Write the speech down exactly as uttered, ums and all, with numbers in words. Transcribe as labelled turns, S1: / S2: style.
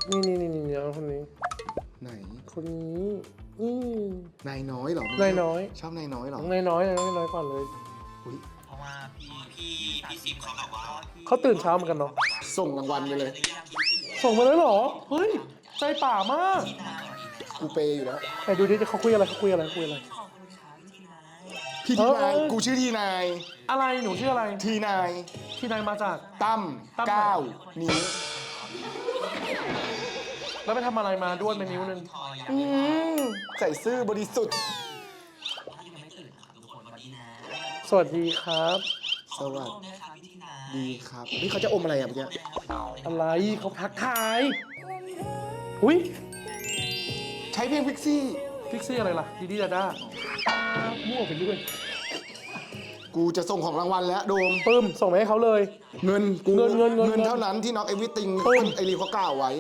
S1: นี่นี่นี่นี่คนนี้
S2: ไหน
S1: คนนี้นี่
S2: นายน้อยเหรอน
S1: ายน้อย
S2: ชอบนายน้อยเหรอ
S1: น้องนายน้อยนายน้อยน้อยก่อนเลย
S2: อุ๊ย
S3: เพราะว่าพี่พี่พี่ซิมเขาแบบว่า
S1: เขาตื่นเช้าเหมือนกันเนาะ
S2: ส่งรางวัลไปเลย
S1: ส่งมาเลยเหรอเฮ้ยใจป่ามาก
S2: กูเปย์อยู่แล้ว
S1: ไหนดูดิเขาคุยอะไรเขาคุยอะไรเขาคุยอะไร
S2: พี่ทีนาย
S1: เออ
S2: กูชื่อทีนาย
S1: อะไรหนูชื่ออะไร
S2: ทีนาย
S1: ที่นายมาจาก
S2: ตั้ม
S1: ตั้ม
S2: เก้านิ้ว
S1: แล้วไปทำอะไรมาด้วนไปนิ้วนึง
S2: อืมใส่ซื่อบริสุทธิ์
S1: สวัสดีครับ
S2: สวัสดีครับ นี่เขาจะอมอะไรอ่ะเมื่อกี้
S1: อะไรเขาทักทายอุ้ย
S2: ใช้เพลงพิกซี่
S1: พิกซี่อะไรล่ะดีดีดาด้ามั่วไปเรื่อย
S2: กูจะส่งของรางวัลแล้วโดม
S1: ปึ้มส่งไปให้เขาเลย
S2: เงินกู
S1: เงินเงินเงิน
S2: เงินเท่านั้นที่น็อกเอวิติง
S1: ปึ้ม
S2: ไอรีเขากล่าวไว้